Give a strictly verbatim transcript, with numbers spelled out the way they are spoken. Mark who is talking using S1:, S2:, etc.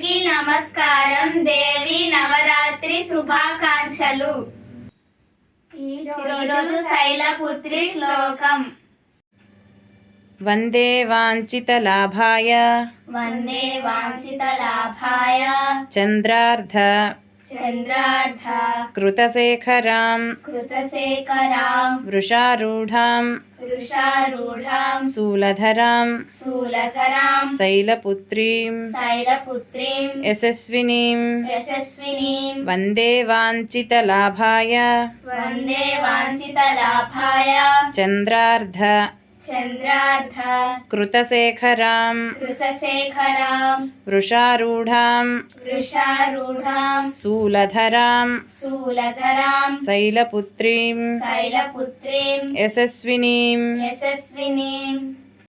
S1: అందరికీ నమస్కారం. దేవి నవరాత్రి శుభాకాంక్షలు. ఈరోజు శైలపుత్రి శ్లోకం.
S2: వందే వాంఛితలాభాయ
S1: వందే వాంఛితలాభాయ
S2: చంద్రార్ధ
S1: చంద్రార్ధ
S2: కృతశేఖరాం
S1: కృతశేఖరాం
S2: వృషారూఢాం
S1: వృషారూఢాం
S2: శూలధరాం
S1: శూలధరాం
S2: శైలపుత్రీం
S1: శైలపుత్రీం
S2: యశస్వినీం
S1: యశస్వినీం
S2: వందే వాంఛితలాభాయ
S1: వందే వాంఛితలాభాయ
S2: చంద్రార్ధ
S1: చంద్రార్ధ
S2: కృతశేఖరాం
S1: కృతశేఖరాం
S2: వృషారూఢాం
S1: వృషారూఢాం
S2: శూలధరాం
S1: శూలధరాం
S2: శైలపుత్రీం
S1: శైలపుత్రీం
S2: యశస్వినీం
S1: యశస్వినీం